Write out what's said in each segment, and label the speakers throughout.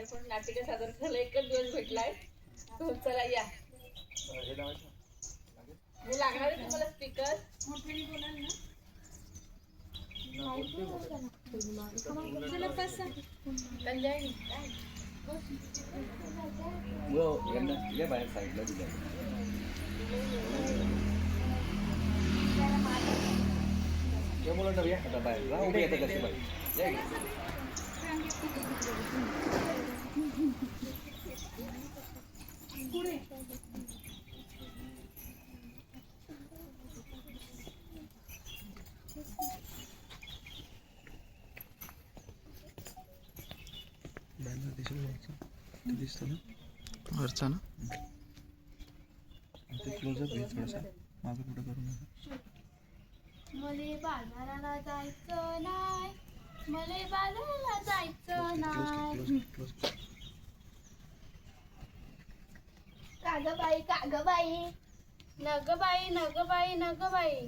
Speaker 1: पण नाटिका सादर करायला एकच दिवस भेटलाय. तो चला या. मी लागणार आहे तुम्हाला स्पीकर.
Speaker 2: बाहेर साईडला दिल्या मुलं आता बाहेर उभे येतं कसे बाहेर दिसतो ना वरचा ना ते क्लोजअप घे थोडासा मागं पुढं करू नका.
Speaker 3: मले बाजाराला जायचं नाही, मले बाजाराला जायचं नाही. कागबाई कागबाई नगबाई नगबाई नगबाई.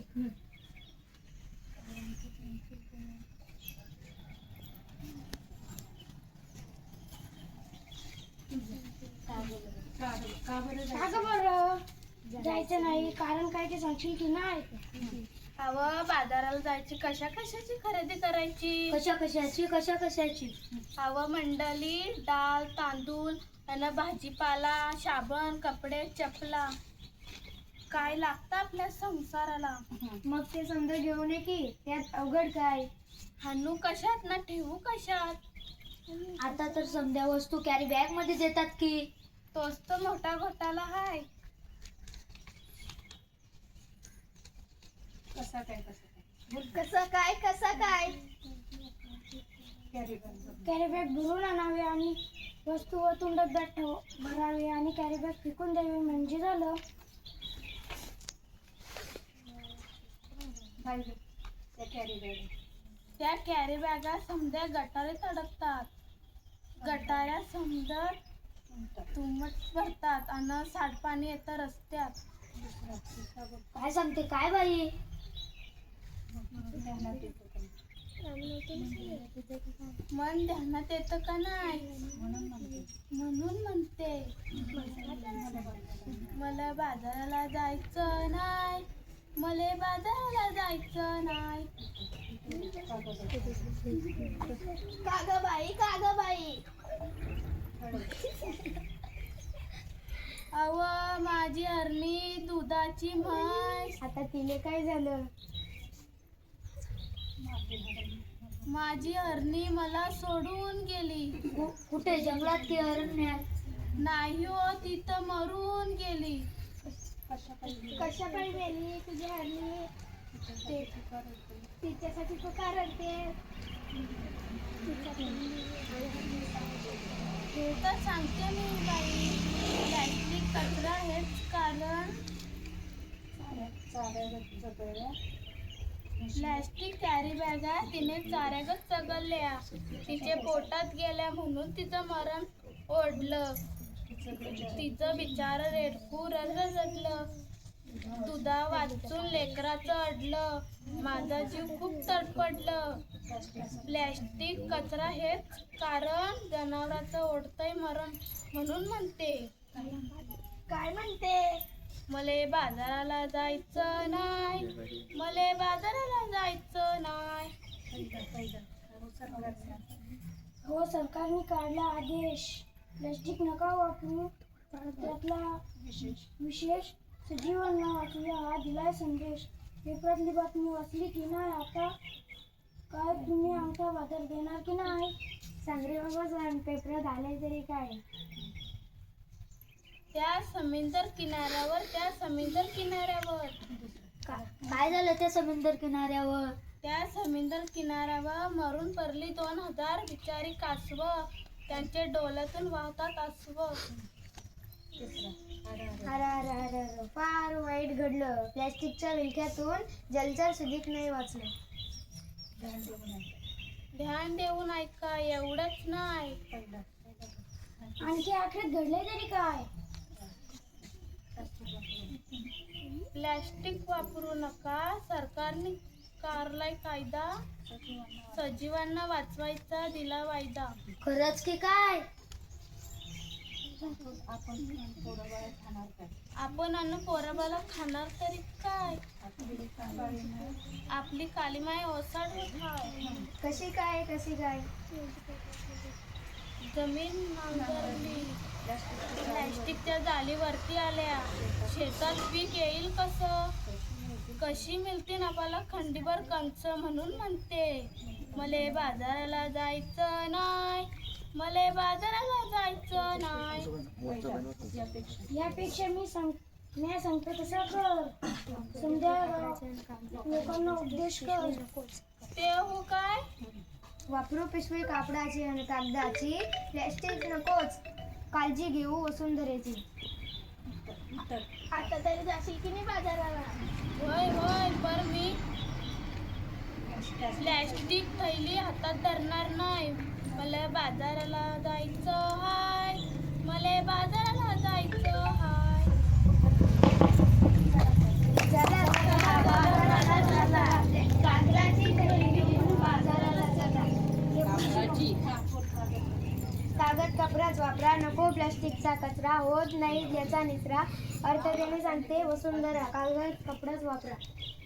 Speaker 3: का बरं जायचं नाही? कारण काय ते सांगशील की नाही? अव बाजाराला जायची, कशा कशाची खरेदी करायची? कशा कशाची? अव मंडळी डाळ तांदूळ आणि भाजीपाला साबण कपडे चपला काय लागतं आपल्या संसाराला. मग ते समजा घेऊन ये की, त्यात अवघड काय? हाणू कशात ना ठेवू कशात? आता तर समजा वस्तू कॅरी बॅग मध्ये देतात की. तोच तर मोठा घोटाळा हाय. कसा काय कॅरी बॅग भरून आणावे आणि वस्तू वतून डब्यात भरावे आणि कॅरी बॅग फेकून द्यावी म्हणजे झालं. त्या कॅरी बॅगा समजा गटारीत अडकतात. गटाऱ्या समजा तुंबट भरतात आणि सांडपाणी येतं रस्त्यात. काय सांगते काय बाई? मन ध्यानात येतं का नाही म्हणून म्हणते. मला बाजाराला जायचं नाही, मला बाजाराला जायचं नाही. कागबाई अव माझी हरणी दुधाची म्हैस. आता तिने काय झालं? माझी हरणी मला सोडून गेली. कुठे जंगलात की अरण्यात? नाही हो, तिथं मरून गेली. कशा काही गेली तुझी हरणी? तिच्यासाठी तू का रडते? हे तर सांगते मी बाई. प्लॅस्टिक कचरा हेच कारण. प्लॅस्टिक कॅरी बॅगा तिने चाऱ्यागत चगळल्या. तिचे पोटात गेल्या म्हणून तिचं मरण ओढलं. तिचं बिचार रेडकू रडलं. दुधा वाचून लेकराचं अडलं. माझा जीव खूप तडपडलं. प्लॅस्टिक कचरा हेच कारण जनावराचं ओढतंय मरण म्हणून म्हणते. काय म्हणते? मले बाजाराला जायचं नाही, मले बाजाराला जायचं नाही. हो सरकारने काढला आदेश. प्लॅस्टिक नका वापरू. त्यातला विशेष सजीवांना वाचूया हा दिलाय संदेश. पेपरातली बातमी वाचली की नाही? आता काय तुम्ही आमचा बाजार देणार की नाही? सांगरे बाबा सांग, पेपरात आले तरी काय? त्या समुद्र किनाऱ्यावर काय झालं? त्या समुद्र किनाऱ्यावर मरून पडली 2000 बिचारी कासव. त्यांच्या डोळ्यातून वाहतात अश्रू. अरे फार वाईट घडलं. प्लॅस्टिकच्या विळख्यातून जलचर सुधीक नाही वाचलं. ध्यान देऊन ऐका, एवढंच नाही. आणखी आखरीत घडले तरी काय? प्लॅस्टिक वापरू नका. सरकारने काढलाय कायदा. सजीवांना वाचवायचा दिला वायदा. खरंच की काय? आपण अन्न पोराबाला खाणार तरी काय? आपली कालीमाय ओसाड होत हाय.
Speaker 4: कशी काय
Speaker 3: जमीन नांगरली, प्लॅस्टिकच्या जाळीवरती आल्या, शेतात पीक येईल कसं? कशी मिळतील आपल्याला खंडीभर कंच म्हणून म्हणते. मले बाजाराला जायचं नाही, मले बाजाराला जायचं नाही.
Speaker 4: यापेक्षा मी सांगतो तसं कर. समजा लोकांना उपदेश कर.
Speaker 3: ते हो काय?
Speaker 4: वापरू पिशवी कापडाची आणि कागदाची, प्लॅस्टिक नकोच. काळजी घेऊ वसुंधरेची.
Speaker 3: आता तरी जाशील की नाही बाजाराला? होय होय, पर मी प्लॅस्टिक थैली हातात धरणार नाही. मला बाजाराला जायचं हाय, मला बाजाराला जायचं हाय.
Speaker 4: कागदाची थैली घेऊन बाजाराला चला. कागद कपडाच वापरा, नको प्लास्टिकचा कचरा. होत नाही याचा निचरा. अर्थ देणे सांगते वसुंधरा, कागद कपडाच वापरा.